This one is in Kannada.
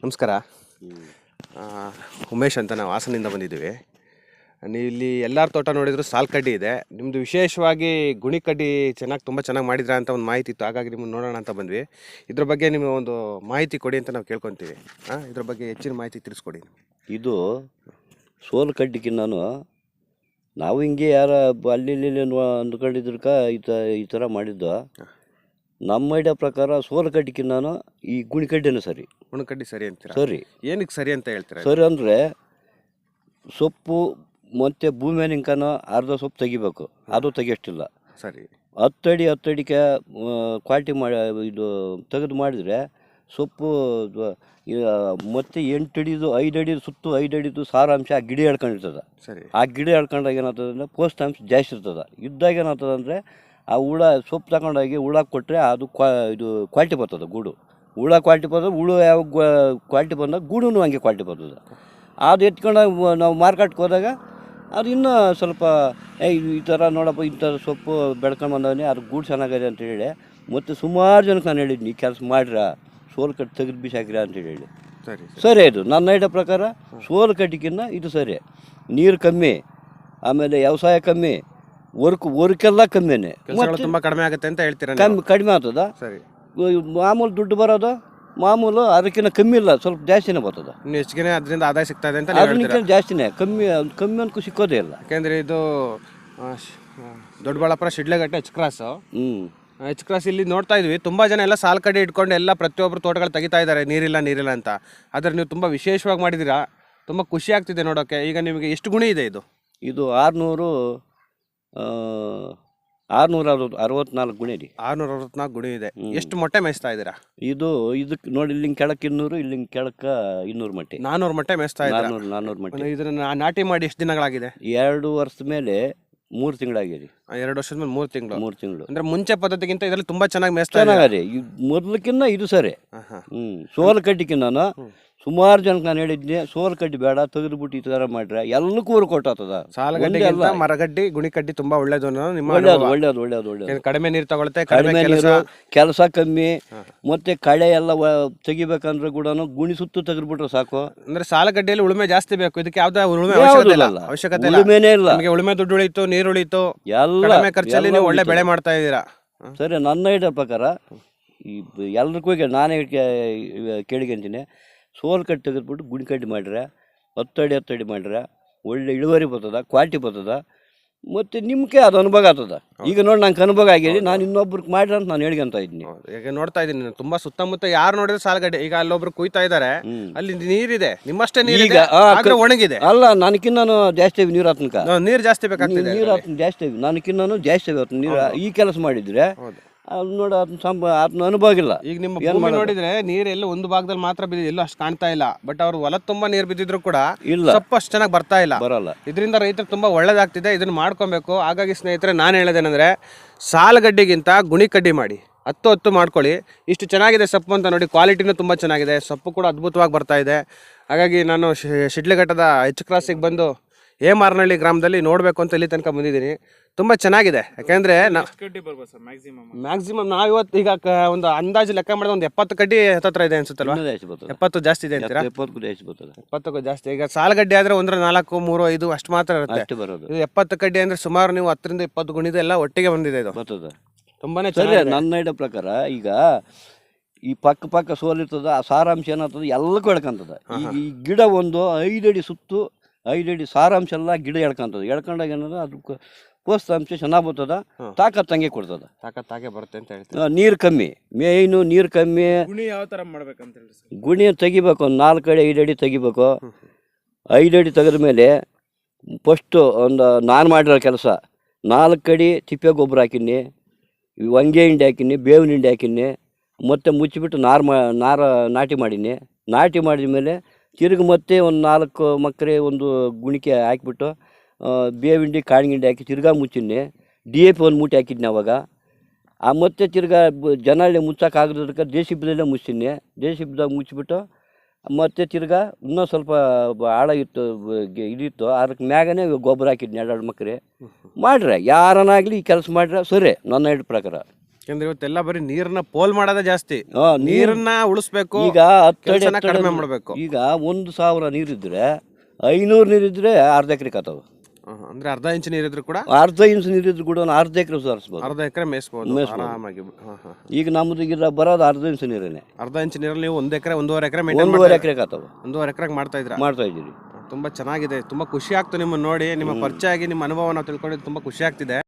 ನಮಸ್ಕಾರ. ಉಮೇಶ್ ಅಂತ ನಾವು ಹಾಸನಿಂದ ಬಂದಿದ್ದೀವಿ. ನೀವು ಇಲ್ಲಿ ಎಲ್ಲರ ತೋಟ ನೋಡಿದ್ರು ಸಾಲ್ ಕಡ್ಡಿ ಇದೆ. ನಿಮ್ಮದು ವಿಶೇಷವಾಗಿ ಗುಣಿ ಕಡ್ಡಿ ತುಂಬ ಚೆನ್ನಾಗಿ ಮಾಡಿದ್ರ ಅಂತ ಒಂದು ಮಾಹಿತಿ ಇತ್ತು. ಹಾಗಾಗಿ ನಿಮ್ಮನ್ನು ನೋಡೋಣ ಅಂತ ಬಂದ್ವಿ. ಇದ್ರ ಬಗ್ಗೆ ನಿಮಗೆ ಒಂದು ಮಾಹಿತಿ ಕೊಡಿ ಅಂತ ನಾವು ಕೇಳ್ಕೊತೀವಿ. ಇದ್ರ ಬಗ್ಗೆ ಹೆಚ್ಚಿನ ಮಾಹಿತಿ ತಿಳಿಸ್ಕೊಡಿ. ಇದು ಸೋಲು ಕಡ್ಡಿಗೆ ನಾವು ಹಿಂಗೆ ಯಾರ ಅಲ್ಲಿ ಅಂದ್ಕೊಂಡಿದ್ರಕ ಈ ಥರ ಮಾಡಿದ್ದು. ನಮ್ಮ ಐಡಿಯಾ ಪ್ರಕಾರ ಸೋಲು ಕಡ್ಡಿಗೆ ಈ ಗುಣಿ ಕಡ್ಡಿನೇ ಸರಿ. ಗುಣಕಡ್ಡಿ ಸರಿ ಅಂತೀರಾ? ಸರಿ. ಏನಕ್ಕೆ ಸರಿ ಅಂತ ಹೇಳ್ತೀರಾ? ಸರಿ ಅಂದರೆ ಸೊಪ್ಪು ಮತ್ತು ಭೂಮಿ ನಿಂಕನ ಅರ್ಧ ಸೊಪ್ಪು ತೆಗಿಬೇಕು, ಅದು ತೆಗಿಯಷ್ಟಿಲ್ಲ. ಸರಿ. 10 ಅಡಿಗೆ ಕ್ವಾಲಿಟಿ ಮಾಡಿ ಇದು ತೆಗೆದು ಮಾಡಿದರೆ ಸೊಪ್ಪು ಮತ್ತು 8 ಅಡಿದು 5 ಅಡಿ ಸುತ್ತು 5 ಅಡಿದು ಸಾರಾಂಶ ಆ ಗಿಡ ಹೇಳ್ಕೊಂಡಿರ್ತದೆ. ಸರಿ. ಆ ಗಿಡ ಹೇಳ್ಕೊಂಡಾಗ ಏನಾಗ್ತದೆ ಅಂದರೆ ಪೋಷಕಾಂಶ ಜಾಸ್ತಿ ಇರ್ತದೆ. ಇದ್ದಾಗ ಏನಾಗ್ತದೆ ಅಂದರೆ ಆ ಹುಳ ಸೊಪ್ಪು ತಗೊಂಡೋಗಿ ಹುಳಕ್ಕೆ ಕೊಟ್ಟರೆ ಅದು ಇದು ಕ್ವಾಲಿಟಿ ಬರ್ತದೆ. ಗೂಡು ಹುಳ ಕ್ವಾಲಿಟಿ ಬರ್ತದೆ. ಹುಳು ಯಾವ ಕ್ವಾಲಿಟಿ ಬಂದಾಗ ಗೂಡು ಹಂಗೆ ಕ್ವಾಲಿಟಿ ಬರ್ತದೆ. ಅದು ಎತ್ಕೊಂಡಾಗ ನಾವು ಮಾರ್ಕೆಟ್ಗೆ ಹೋದಾಗ ಅದು ಇನ್ನೂ ಸ್ವಲ್ಪ ಈ ಥರ ನೋಡಪ್ಪ ಇಂಥ ಸೊಪ್ಪು ಬೆಳ್ಕೊಂಡು ಬಂದವನೇ ಅದು ಗೂಡು ಚೆನ್ನಾಗಿದೆ ಅಂತೇಳಿ ಮತ್ತು ಸುಮಾರು ಜನಕ್ಕೆ ನಾನು ಹೇಳಿದ್ದೀನಿ, ಈ ಕೆಲಸ ಮಾಡಿರ ಸೋಲು ಕಟ್ಟಿ ತೆಗೆದು ಬಿಸಾಕಿರ ಅಂತೇಳಿ. ಸರಿ. ಇದು ನನ್ನ ಐಡಿಯಾ ಪ್ರಕಾರ ಸೋಲು ಕಟ್ಟಿಗಿನ್ನ ಇದು ಸರಿ. ನೀರು ಕಮ್ಮಿ, ಆಮೇಲೆ ವ್ಯವಸಾಯ ಕಮ್ಮಿ, ವರ್ಕೆಲ್ಲ ಕಮ್ಮಿನೇ, ತುಂಬ ಕಡಿಮೆ ಆಗುತ್ತೆ ಅಂತ ಹೇಳ್ತೀರಾ? ಕಡಿಮೆ ಆಗ್ತದ. ಸರಿ. ಮಾಮೂಲು ದುಡ್ಡು ಬರೋದು ಮಾಮೂಲು ಅದಕ್ಕಿಂತ ಕಮ್ಮಿ ಇಲ್ಲ, ಸ್ವಲ್ಪ ಜಾಸ್ತಿನೇ ಬರ್ತದೆ. ಇನ್ನು ಹೆಚ್ಚಿಗೆ ಅದರಿಂದ ಆದಾಯ ಸಿಗ್ತಾ ಇದೆ ಅಂತ ಅದಕ್ಕಿಂತ ಜಾಸ್ತಿನೇ, ಕಮ್ಮಿ ಅನ್ಕೂ ಸಿಕ್ಕೋದೇ ಇಲ್ಲ. ಯಾಕೆಂದರೆ ಇದು Doddaballapura Sidlaghatta H cross. H cross ಇಲ್ಲಿ ನೋಡ್ತಾ ಇದ್ವಿ, ತುಂಬ ಜನ ಎಲ್ಲ ಸಾಲ್ ಕಡೆ ಇಟ್ಕೊಂಡು ಎಲ್ಲ ಪ್ರತಿಯೊಬ್ಬರು ತೋಟಗಳು ತೆಗಿತಾ ಇದ್ದಾರೆ, ನೀರಿಲ್ಲ ಅಂತ. ಆದರೆ ನೀವು ತುಂಬ ವಿಶೇಷವಾಗಿ ಮಾಡಿದ್ದೀರಾ, ತುಂಬ ಖುಷಿ ಆಗ್ತಿದೆ ನೋಡೋಕ್ಕೆ. ಈಗ ನಿಮಗೆ ಎಷ್ಟು ಗುಣಿ ಇದೆ ಇದು? ಇದು 664 ಗುಣಿ ಇದೆ. 664 ಗುಣಿ ಇದೆ. ಎಷ್ಟು ಮೊಟ್ಟೆ ಮೇಯಿಸ್ತಾ ಇದ್ದೀರಾ? ಇದಕ್ಕೆ ನೋಡಿ, ಇಲ್ಲಿಂಗ್ ಕೆಳಕ್ಕೆ 200, ಇಲ್ಲಿಂಗ್ ಕೆಳಕ್ಕೆ 200 ಮೊಟ್ಟೆ. 400 ಮೊಟ್ಟೆ ಮೇಯಿಸ್ತಾ ಇದ್ದೀರಾ? 400 ಮೊಟ್ಟೆ. ಇದನ್ನ ನಾಟಿ ಮಾಡಿ ಎಷ್ಟು ದಿನಗಳಾಗಿದೆ? 2 ವರ್ಷದ ಮೇಲೆ 3 ತಿಂಗಳಾಗಿದೆ. 2 ವರ್ಷದ ಮೇಲೆ 3 ತಿಂಗಳು. 3 ತಿಂಗಳು ಅಂದ್ರೆ ಮುಂಚೆ ಪದ್ಧತಿಗಿಂತ ಇದರಲ್ಲಿ ತುಂಬಾ ಚೆನ್ನಾಗಿ ಮೇಯಿಸ್ತಾ ಚೆನ್ನಾಗಿದೆ. ಮೊದಲಕ್ಕಿನ್ನ ಇದು ಸರಿ. ಸೋಲು ಕಡ್ಡಿಕಿನ್ನ ಸುಮಾರು ಜನಕ್ಕೆ ನಾನು ಹೇಳಿದ್ದೆ, ಸೋಲು ಕಡ್ಡಿ ಬೇಡ, ತೆಗೆದುಬಿಟ್ಟು ಈ ಥರ ಮಾಡ್ರೆ ಎಲ್ಲಕ್ಕೂ ಊರು ಕೊಟ್ಟಾಗ್ತದ. ಸಾಲಗಡ್ಡಿ ಮರಗಡ್ಡಿ ಗುಣಿ ಕಡ್ಡಿ ತುಂಬಾ ಒಳ್ಳೇದು. ಒಳ್ಳೇದು. ಕಡಿಮೆ ನೀರು ತಗೊಳುತ್ತೆ, ಕಡಿಮೆ ನೀರು, ಕೆಲಸ ಕಮ್ಮಿ, ಮತ್ತೆ ಕಳೆ ಎಲ್ಲ ತೆಗಿಬೇಕಂದ್ರೆ ಕೂಡ ಗುಣಿ ಸುತ್ತು ತೆಗೆದ್ಬಿಟ್ರೆ ಸಾಕು. ಅಂದ್ರೆ ಸಾಲಗಡ್ಡಿಯಲ್ಲಿ ಉಳುಮೆ ಜಾಸ್ತಿ ಬೇಕು, ಇದಕ್ಕೆ ಯಾವ್ದೇ ಉಳುಮೆ ಅವಶ್ಯಕತೆ ಇಲ್ಲ. ನಿಮಗೆ ಉಳುಮೆ ದುಡ್ಡು ಉಳಿತು, ನೀರು ಉಳಿತು, ಎಲ್ಲ ಖರ್ಚಲ್ಲಿ ನೀವು ಒಳ್ಳೆ ಬೆಳೆ ಮಾಡ್ತಾ ಇದ್ದೀರಾ. ಸರಿ. ನನ್ನ ಐಡಿಯಾ ಪ್ರಕಾರ ಈ ಎಲ್ರಿಗೂ ನಾನೇ ಕೇಳಿಕೊಂತೀನಿ, ಸೋಲು ಕಡ್ಡಿ ತೆಗೆದ್ಬಿಟ್ಟು ಗುಣಿ ಕಡ್ಡಿ ಮಾಡಿದ್ರೆ 10 ಅಡಿ ಮಾಡಿದ್ರೆ ಒಳ್ಳೆ ಇಳುವರಿ ಬರ್ತದ, ಕ್ವಾಲಿಟಿ ಬರ್ತದ, ಮತ್ತು ನಿಮ್ಗೆ ಅದು ಅನುಭವ ಆಗ್ತದ. ಈಗ ನೋಡಿ, ನಂಗೆ ಅನುಭವ ಆಗಿದೆ, ನಾನು ಇನ್ನೊಬ್ರಿಗೆ ಮಾಡ್ರಿ ಅಂತ ನಾನು ಹೇಳ್ಕೊಂತ ಇದ್ದೀನಿ. ಈಗ ನೋಡ್ತಾ ಇದ್ದೀನಿ ತುಂಬಾ ಸುತ್ತಮುತ್ತ ಯಾರು ನೋಡಿದ್ರೆ ಸಾಲಗಡ್ಡೆ. ಈಗ ಅಲ್ಲೊಬ್ರು ಕುಯ್ತಾ ಇದ್ದಾರೆ, ಅಲ್ಲಿ ನೀರಿದೆ, ನಿಮ್ಮಷ್ಟೇ ನೀರಿಗೆ ಒಣಗಿದೆ. ಅಲ್ಲ, ನನಕಿನ್ನ ಜಾಸ್ತಿ ನೀರು ಆತನಕ ನೀರು ಜಾಸ್ತಿ ಬೇಕಾಗ್ತದೆ. ನೀರು ಆತನ ಜಾಸ್ತಿ, ನನಕಿನ್ನ ಜಾಸ್ತಿ ಆಗುತ್ತೆ ನೀರು. ಈ ಕೆಲಸ ಮಾಡಿದ್ರೆ ಅದು ನೋಡಿ, ಅದನ್ನ ಅನುಭವ ಇಲ್ಲ. ಈಗ ನಿಮ್ಮ ಭೂಮಿ ನೋಡಿದ್ರೆ ನೀರು ಎಲ್ಲ ಒಂದು ಭಾಗದಲ್ಲಿ ಮಾತ್ರ ಬಿದ್ದಿದೆ, ಎಲ್ಲೂ ಅಷ್ಟು ಕಾಣ್ತಾ ಇಲ್ಲ. ಬಟ್ ಅವ್ರು ಹೊಲ ತುಂಬಾ ನೀರು ಬಿದ್ದಿದ್ರು ಕೂಡ ಇಲ್ಲ, ಸ್ವಲ್ಪ ಅಷ್ಟು ಚೆನ್ನಾಗಿ ಬರಲ್ಲ. ಇದರಿಂದ ರೈತರು ತುಂಬಾ ಒಳ್ಳೇದಾಗ್ತಿದೆ, ಇದನ್ನ ಮಾಡ್ಕೊಬೇಕು. ಹಾಗಾಗಿ ಸ್ನೇಹಿತರೆ, ನಾನು ಹೇಳೋದೇನೆಂದ್ರೆ, ಸಾಲಗಡ್ಡಿಗಿಂತ ಗುಣಿ ಕಡ್ಡಿ ಮಾಡಿ 10 ಮಾಡ್ಕೊಳ್ಳಿ. ಇಷ್ಟು ಚೆನ್ನಾಗಿದೆ ಸೊಪ್ಪು ಅಂತ ನೋಡಿ, ಕ್ವಾಲಿಟಿನೂ ತುಂಬ ಚೆನ್ನಾಗಿದೆ, ಸೊಪ್ಪು ಕೂಡ ಅದ್ಭುತವಾಗಿ ಬರ್ತಾ ಇದೆ. ಹಾಗಾಗಿ ನಾನು ಶಿಡ್ಲಘಟ್ಟದ ಎಚ್ ಕ್ರಾಸಿಗೆ ಬಂದು ಹೇಮಾರನಹಳ್ಳಿ ಗ್ರಾಮದಲ್ಲಿ ನೋಡಬೇಕು ಅಂತ ಇಲ್ಲಿ ತನಕ ಬಂದಿದ್ದೀನಿ. ತುಂಬ ಚೆನ್ನಾಗಿದೆ. ಯಾಕೆಂದರೆ ಮ್ಯಾಕ್ಸಿಮಮ್ ನಾವು ಇವತ್ತು ಈಗ ಒಂದು ಅಂದಾಜು ಲೆಕ್ಕ ಮಾಡಿದ್ರೆ ಒಂದು 70 ಕಡ್ಡಿ ಹತ್ರ ಇದೆ ಅನ್ಸುತ್ತಲ್ವಾ? 70 ಜಾಸ್ತಿ ಇದೆ ಅಂತೀರಾ? 70ಕ್ಕೂ ಜಾಸ್ತಿ. ಈಗ ಸಾಲಗಡ್ಡಿ ಆದರೆ 1, 4, 3, 5 ಅಷ್ಟು ಮಾತ್ರ ಇರುತ್ತೆ. ಇದು 70 ಕಡ್ಡಿ ಅಂದರೆ ಸುಮಾರು ನೀವು 10ರಿಂದ 20 ಗುಣಿದೆ ಎಲ್ಲ ಒಟ್ಟಿಗೆ ಬಂದಿದೆ. ಇದು ತುಂಬಾನೇ ಚೆನ್ನಾಗಿದೆ. ನನ್ನ ಐಡಿಯಾ ಪ್ರಕಾರ ಈಗ ಈ ಪಕ್ಕ ಸೋಲಿರ್ತದ, ಆ ಸಾರಾಂಶ ಏನಾಗ್ತದೆ ಎಲ್ಲಕ್ಕೂ ಎಳ್ಕೊಂತದ. ಈಗ ಈ ಗಿಡ ಒಂದು 5 ಅಡಿ ಸುತ್ತು 5 ಅಡಿ ಸಾರಾಂಶ ಎಲ್ಲ ಗಿಡ ಎಳ್ಕೊಂಡಾಗ ಏನದ ಅದಕ್ಕೆ ಪೋಷಕಾಂಶ ಚೆನ್ನಾಗಿ ಬರ್ತದ, ತಾಕತ್ತಂಗೆ ಕೊಡ್ತದ. ತಾಕತ್ತಾಗೆ ಬರುತ್ತೆ ಅಂತ ಹೇಳ್ತೀವಿ. ನೀರು ಕಮ್ಮಿ, ಮೇಯ್ನು ನೀರು ಕಮ್ಮಿ. ಗುಣಿ ಯಾವ ಥರ ಮಾಡ್ಬೇಕಂತ ಹೇಳಿ? ಗುಣಿ ತೆಗಿಬೇಕು, ಒಂದು 4 ಅಡಿ 5 ಅಡಿ ತೆಗಿಬೇಕು. 5 ಅಡಿ ತೆಗೆದ ಮೇಲೆ ಫಸ್ಟು ನಾನು ಮಾಡಿರೋ ಕೆಲಸ 4 ಅಡಿ ತಿಪ್ಪೆ ಗೊಬ್ಬರ ಹಾಕಿನಿ, ವಂಗೆ ಹಿಂಡಿ ಹಾಕಿನಿ, ಬೇವಿನ ಹಿಂಡಿ ಹಾಕಿನಿ, ಮತ್ತು ಮುಚ್ಚಿಬಿಟ್ಟು ನಾಟಿ ಮಾಡೀನಿ. ನಾಟಿ ಮಾಡಿದ ಮೇಲೆ ತಿರುಗಿ ಮತ್ತೆ ಒಂದು 4 ಮಕ್ಕರೆ ಒಂದು ಗುಣಿಕೆ ಹಾಕಿಬಿಟ್ಟು ಬೇವಿಂಡಿ ಕಾಳಿಂಡಿ ಹಾಕಿ ತಿರ್ಗಾ ಮುಚ್ಚಿನಿ. DAP ಒಂದು ಮೂಟೆ ಹಾಕಿದ್ನಿ ಅವಾಗ. ಮತ್ತೆ ತಿರ್ಗಾ ಜನಳ್ಳಿ ಮುಚ್ಚೋಕ್ಕಾಗದಕ್ಕೆ JCBದಲ್ಲೇ ಮುಚ್ಚಿನಿ. JCBದಾಗ ಮುಚ್ಚಿಬಿಟ್ಟು ಮತ್ತೆ ತಿರ್ಗಾ ಇನ್ನೂ ಸ್ವಲ್ಪ ಆಳ ಇದಿತ್ತು, ಅದಕ್ಕೆ ಮ್ಯಾಗನೇ ಗೊಬ್ಬರ ಹಾಕಿದ್ನಿ 2 ಮಕ್ಕರೆ. ಮಾಡ್ರೆ ಯಾರನ್ನಾಗಲಿ ಈ ಕೆಲಸ ಮಾಡ್ರೆ ಸರಿ, ನನ್ನ ಪ್ರಕಾರ. ಯಾಕಂದ್ರೆ ಇವತ್ತೆಲ್ಲ ಬರೀ ನೀರನ್ನ ಪೋಲ್ ಮಾಡೋದೇ ಜಾಸ್ತಿ. ಆ, ನೀರನ್ನ ಉಳಿಸ್ಬೇಕು, ಈಗ 10 ಅಡಿ ಕೆಲ್ಸನ ಕಡಿಮೆ ಮಾಡಬೇಕು. ಈಗ 1,000 ನೀರಿದ್ರೆ 500 ನೀರಿದ್ರೆ ಅರ್ಧ ಎಕರೆ ಕಾತಾವ. ಅಂದ್ರೆ ಅರ್ಧ ಇಂಚ್ ನೀರಿದ್ರು ಕೂಡ ಅರ್ಧ ಇಂಚು ನೀರಿದ್ರು ಕೂಡ ಒಂದು ಅರ್ಧ ಎಕರೆ ಸುಧಾರಿಸ್ಬೋದು. ಅರ್ಧ ಎಕರೆ ಮೇಯಿಸ್ಬೋದು ಆರಾಮಾಗಿ. ಈಗ ನಮ್ದು ಈಗ ಬರೋದು ಅರ್ಧ ಇಂಚು ನೀರೇನೆ. ಅರ್ಧ ಇಂಚ್ ನೀರಲ್ಲಿ ನೀವು 1 ಎಕರೆ 1.5 ಎಕರೆ ಮೇಂಟೈನ್ 1.5 ಎಕರೆ ಕಾತಾವ 1.5 ಎಕರೆ ಮಾಡ್ತಾ ಇದ್ರ. ಮಾಡ್ತಾ ಇದ್ದೀರಿ. ತುಂಬಾ ಚೆನ್ನಾಗಿದೆ, ತುಂಬಾ ಖುಷಿ ಆಗ್ತು ನಿಮ್ಮನ್ನ ನೋಡಿ, ನಿಮ್ಮ ಪರಿಚಯ ಆಗಿ ನಿಮ್ಮ ಅನುಭವ ನಾವು ತಿಳ್ಕೊಂಡಿದ್ದು ತುಂಬಾ ಖುಷಿ ಆಗ್ತಿದೆ.